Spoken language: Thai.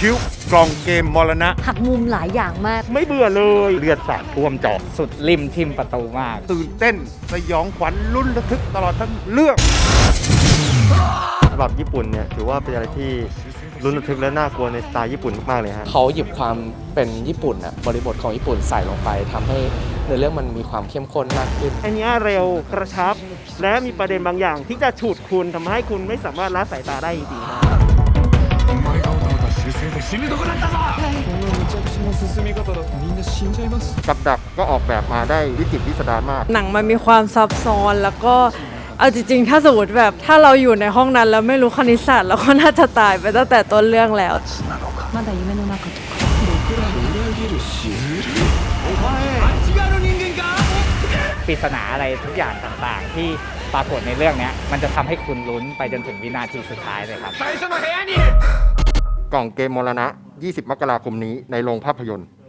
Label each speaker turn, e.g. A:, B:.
A: คิ้วกล่องเกมมรณะ
B: หักมุมหลายอย่างมาก
A: ไม่เบื่อเลยเลือดสาดท่วมจอ
C: สุดริมทิมประตูมาก
A: ตื่นเต้นสยองขวัญลุ้นระทึกตลอดทั้งเรื่อง
D: สำหรับญี่ปุ่นเนี่ยถือว่าเป็นอะไรที่ลุ้นระทึกและน่ากลัวในสไตล์ญี่ปุ่นมากๆเลยฮะ
E: เขาหยิบความเป็นญี่ปุ่นอะบริบทของญี่ปุ่นใส่ลงไปทำให้ในเรื่องมันมีความเข้มข้นมากขึ้น
F: อันนี้เร็วกระชับและมีประเด็นบางอย่างที่จะฉุดคุณทำให้คุณไม่สามารถละสายตาได้จริงๆ
A: กับดักก็ออกแบบมาได้วิจิตรพิสดารมาก
G: หนังมันมีความซับซ้อนแล้วก็เอาจริงๆถ้าสมมติแบบถ้าเราอยู่ในห้องนั้นแล้วไม่รู้คณิตศาสตร์เราก็น่าจะตายไปตั้งแต่ต้นเรื่องแล้ว
C: ปริศนาอะไรทุกอย่างต่างๆที่ปรากฏในเรื่องนี้มันจะทำให้คุณลุ้นไปจนถึงวินาทีสุดท้ายเลยครับ
A: กล่องเกมมรณะ20 มกราคมนี้ในโรงภาพยนตร์